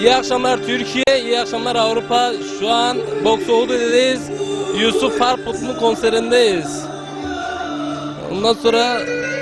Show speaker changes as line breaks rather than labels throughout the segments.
İyi akşamlar Türkiye, iyi akşamlar Avrupa. Şu an Boksoğlu'dayız. Yusuf Harput'un konserindeyiz. Ondan sonra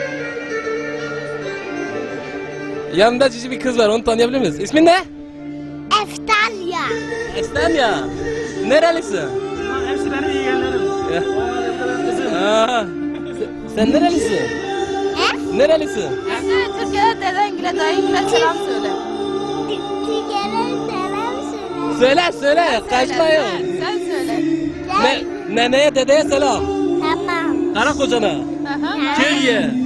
yanında cici bir kız var, onu tanıyabilir miyiz? İsmin ne?
Eftalya.
Eftalya. Nerelisin?
Hepsi benim yeğenlerim.
Aa, sen nerelisin?
He?
Nerelisin?
Türkiye'de dedengile dayıngile selam söyle.
Türkiye'den selam söyle.
Söyle, kaçmayın.
Sen söyle.
Neneye, dedeye selam.
Tamam.
Karakocana, köye.
He?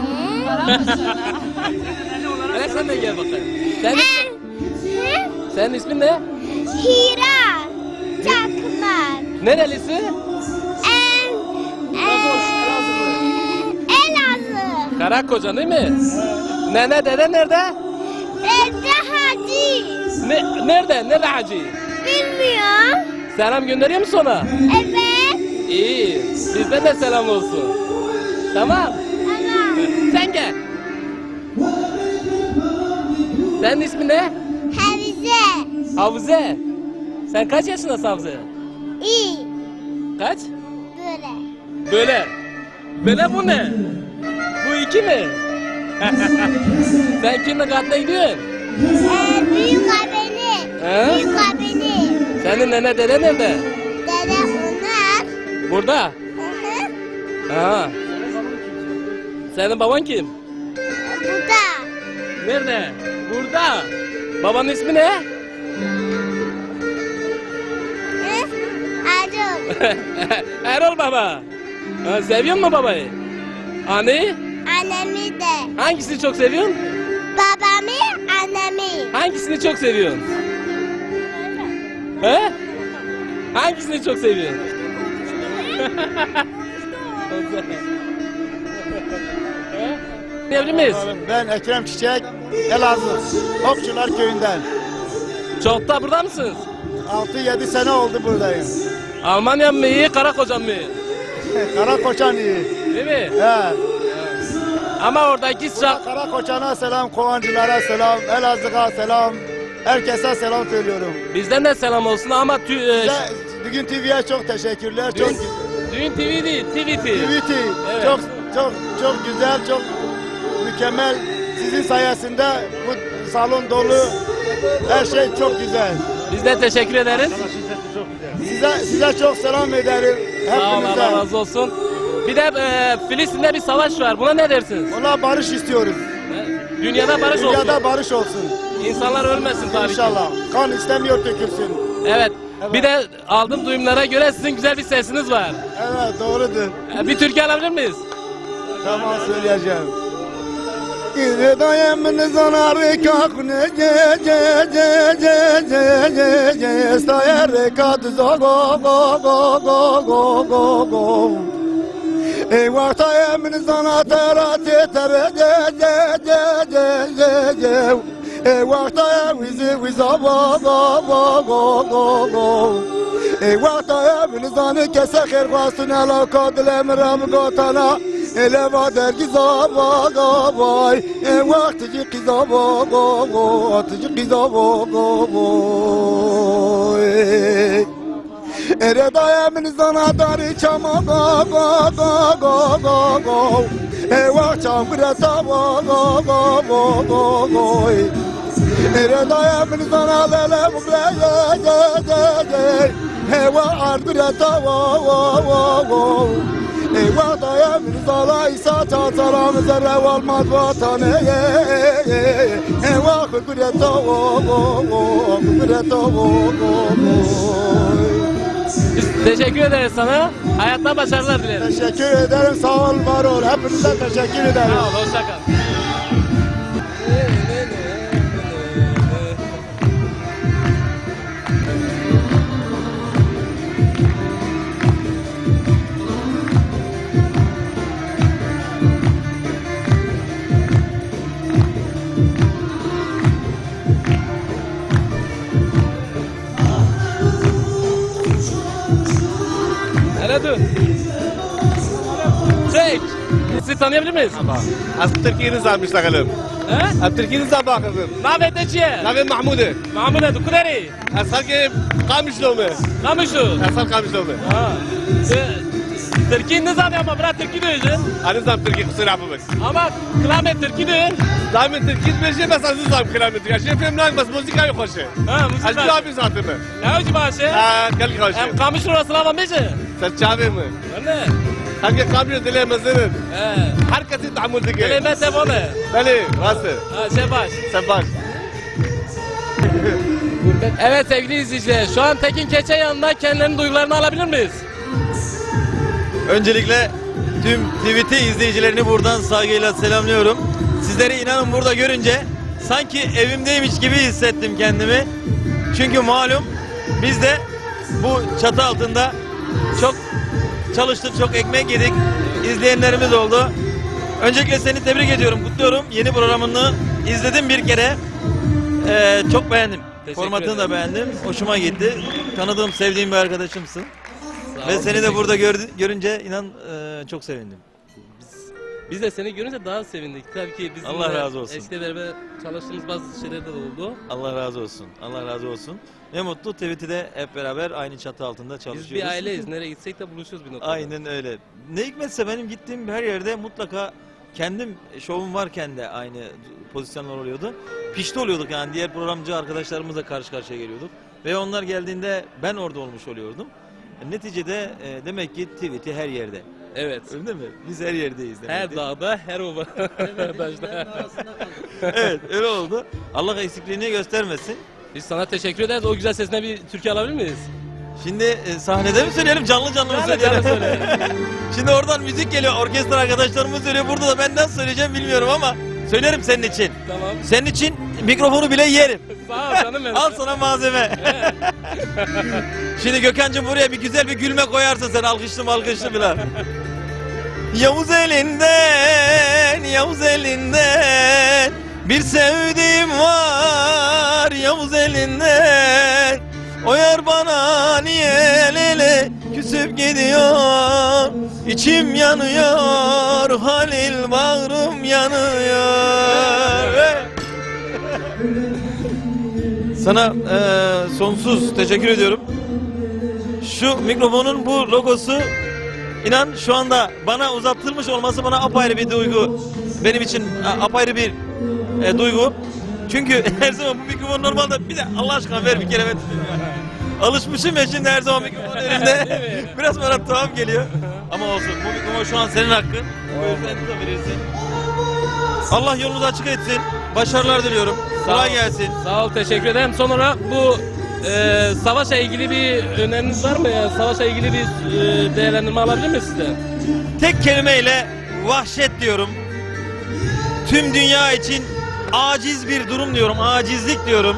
Hele sen de gel bakayım.
He?
Senin ismin ne?
Hira. Çakmak.
Nerelisi?
Elazığ.
Karakoca değil mi? Nene, dede nerede?
Dede Hacı.
Nerede hacı?
Bilmiyorum.
Selam gönderiyor musun ona?
Evet.
İyi. Bizden de selam olsun. Tamam.
Tamam.
Sen gel. Senin ismin ne?
Havize.
Havuze. Sen kaç yaşındasın Havuze?
İyi.
Kaç?
Böyle.
Böyle bu ne? Bu iki mi? Sen kimle katına gidiyorsun?
Büyük abini.
He?
Büyük abini.
Senin nene dede nerede?
Dede onlar.
Burada.
Hı hı.
Ha. Senin baban kim?
Burada.
Nerede? Burada. Babanın ismi ne?
Hı? Arul.
Erol baba. Ha, seviyor musun babayı? Anneyi?
Annemi de.
Hangisini çok seviyorsun?
Babamı, annemi.
Hangisini çok seviyorsun? He? Hangisini çok seviyorsun? Diyebilir miyiz?
Ben Ekrem Çiçek, Elazığ, Okçular Köyü'nden.
Çok da burada mısınız?
6-7 sene oldu buradayım.
Almanya mı iyi, Karakocan mı iyi?
Karakoçan iyi.
Değil mi?
He.
Ama oradaki sıcak...
Karakoçan'a selam, Kovancılara selam, Elazığ'a selam. Herkese selam söylüyorum.
Bizden de selam olsun ama
Size, bugün TV'ye çok teşekkürler. Çok
Düğün TV değil, TVT.
TVT
Evet.
çok güzel, çok mükemmel. Sizin sayesinde bu salon dolu. Her şey çok güzel.
Biz de teşekkür ederiz.
Size çok selam ederim.
Sağ olun, Allah
Hepinize.
razı olsun. Bir de Filistin'de bir savaş var. Buna ne dersiniz?
Ona barış istiyoruz.
Dünyada barış olsun.
Dünyada barış olsun.
İnsanlar ölmesin tabii ki.
İnşallah. Kan istemiyor dökülsün.
Evet.
Evet.
Bir de aldığım duyumlara göre sizin güzel bir sesiniz var.
Evet doğrudur.
Bir türkü alabilir miyiz?
Tamam söyleyeceğim. İri dayımın zanarı kakne ce sayarı kadı go go go go go go go. Eyvah dayımın zana terate tere ce. Eyvah dayım vizi go go go go go. Eyvah dayımın zanı kese kırgasın ala kadlem ram gotana. Ele vader gizaba gabay, vaktici gizaba gabo, atıcı gizaba gabo. Ere dayamin zana dari çama gaba gaba gaba. Vak çamkıra tava gaba gaba. Ere dayamin zana lele mugleye. Vak ardıra tava gaba. Eyvah dayamin zala isa çataram zerre olmaz vatanı. Eyvah kudret
Biz teşekkür ederiz sana. Hayatta başarılar dileriz.
Teşekkür ederim, sağ ol, var ol. Hepinize teşekkür ederim.
Sağ ol, hoşça kal. Nerede? Çek. Sizi tanıyabilir miyiz?
از تركيا نزعل بيشتغلون
He?
از تركيا نزعل باخذهم
Navet de çiye?
نبي محمودة
Mahmut edu kuderi.
از خلق قامش لومه
Kamışu.
از خلق قامش لومه
Ha. Türkiye ne zaten ama bırak Türkiye dövüşün.
انا نزعل تركيا خسر عفوك
Ama klamet Türkiye dövün.
دائما تركيا بيجي بس از نزعل كلامتي عشان فهم ناك بس موسيقى يخشه
Ha müzik
از
var.
جوابي زاتمه
Ne hoca başı?
قال
Hem
خوشه
kamış orası lava meşe.
سرچاوي مه
Ne?
خلق قامش دلي مزنن
He.
هر کسی تعامل دیگه
Kelimet de böyle.
بله راسته
Ha şey baş.
سباش
Evet sevgili izleyiciler, şu an Tekin Keçe yanında kendilerinin duygularını alabilir miyiz?
Öncelikle tüm TVT izleyicilerini buradan saygıyla selamlıyorum. Sizleri inanın burada görünce sanki evimdeymiş gibi hissettim kendimi. Çünkü malum biz de bu çatı altında çok çalıştık, çok ekmek yedik. İzleyenlerimiz oldu. Öncelikle seni tebrik ediyorum, kutluyorum. Yeni programını izledim bir kere. Çok beğendim.
Teşekkür
Formatını da
ederim.
beğendim. Hoşuma gitti. Tanıdığım, sevdiğim bir arkadaşımsın.
Sağ
Ve
ol,
seni de
teşekkür
burada görünce inan çok sevindim.
Biz de seni görünce daha sevindik. Tabii ki bizim
Allah
de
razı olsun.
eşle beraber çalıştığımız bazı şeyler de oldu.
Allah razı olsun. Allah razı olsun. Ne mutlu TVT'de hep beraber aynı çatı altında
Biz
çalışıyoruz.
bir aileyiz. Nereye gitsek de buluşuyoruz bir noktada.
Aynen öyle. Ne hikmetse benim gittiğim her yerde mutlaka kendim şovum varken de aynı pozisyonlar oluyordu. Pişti oluyorduk yani diğer programcı arkadaşlarımızla karşı karşıya geliyorduk. Ve onlar geldiğinde ben orada olmuş oluyordum. Neticede demek ki TVT her yerde.
Evet.
Öyle değil mi? Biz her yerdeyiz demek
Her
ki.
dağda, her ova.
Evet öyle oldu. Allah eksikliğini göstermesin.
Biz sana teşekkür ederiz. O güzel sesine bir türkü alabilir miyiz?
Şimdi sahnede mi söyleyelim canlı canlı mı
Canlı
söyleyelim?
canlı söyle.
Şimdi oradan müzik geliyor, orkestra arkadaşlarımız söylüyor. Burada da ben nasıl söyleyeceğim bilmiyorum ama söylerim senin için.
Tamam.
Senin için mikrofonu bile yerim.
Sağ ol canım benim.
Al sana malzeme. Şimdi Gökhan'cığım buraya bir güzel bir gülme koyarsın sen alkışlı malkışlı falan. Yavuz elinden, Yavuz elinden bir sevdiğim var Yavuz elinden. O yar bana niye lele küsüp gidiyor. İçim yanıyor, Halil bağrım yanıyor. Sana sonsuz teşekkür ediyorum. Şu mikrofonun bu logosu inan şu anda bana uzatılmış olması bana apayrı bir duygu. Benim için apayrı bir duygu. Çünkü her zaman bu mikrofon normalde bir de Allah aşkına ver bir kere ben alışmışım ya şimdi her zaman mikrofon elimde. Biraz bana tuhaf geliyor. Ama olsun bu mikrofon şu an senin hakkın. Buyur sen tutabilirsin. Allah yolunu da açık etsin. Başarılar diliyorum. Kolay gelsin.
Sağ ol, teşekkür ederim. Son olarak bu savaşla ilgili bir öneriniz var mı? Yani savaşla ilgili bir değerlendirme alabilir miyiz sizden?
Tek kelimeyle vahşet diyorum. Tüm dünya için aciz bir durum diyorum. Acizlik diyorum.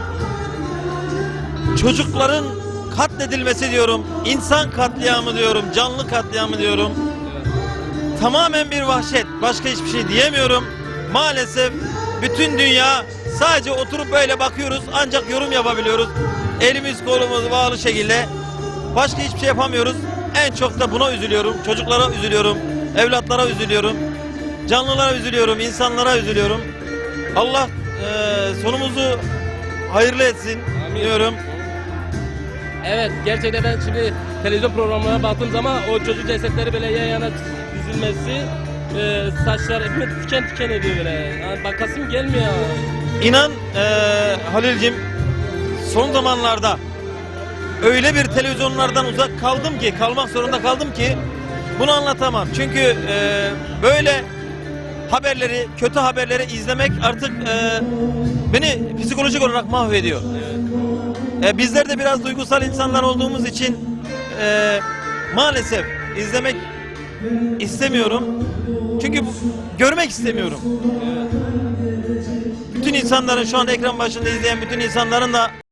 Çocukların katledilmesi diyorum. İnsan katliamı diyorum. Canlı katliamı diyorum. Tamamen bir vahşet. Başka hiçbir şey diyemiyorum. Maalesef bütün dünya sadece oturup böyle bakıyoruz. Ancak yorum yapabiliyoruz. Elimiz kolumuz bağlı şekilde. Başka hiçbir şey yapamıyoruz. En çok da buna üzülüyorum. Çocuklara üzülüyorum. Evlatlara üzülüyorum. Canlılara üzülüyorum. İnsanlara üzülüyorum. Allah sonumuzu hayırlı etsin diyorum.
Evet, gerçekten ben şimdi televizyon programlarına baktığım zaman o çocuk cesetleri böyle yan yana dizilmesi, saçlar hepimiz tüken tüken ediyor böyle. Yani bakasım gelmiyor.
İnan Halil'cim son zamanlarda öyle bir televizyonlardan uzak kaldım ki, kalmak zorunda kaldım ki bunu anlatamam. Çünkü böyle haberleri, kötü haberleri izlemek artık beni psikolojik olarak mahvediyor. Bizler de biraz duygusal insanlar olduğumuz için maalesef izlemek istemiyorum. Çünkü görmek istemiyorum. Bütün insanların şu an ekran başında izleyen bütün insanların da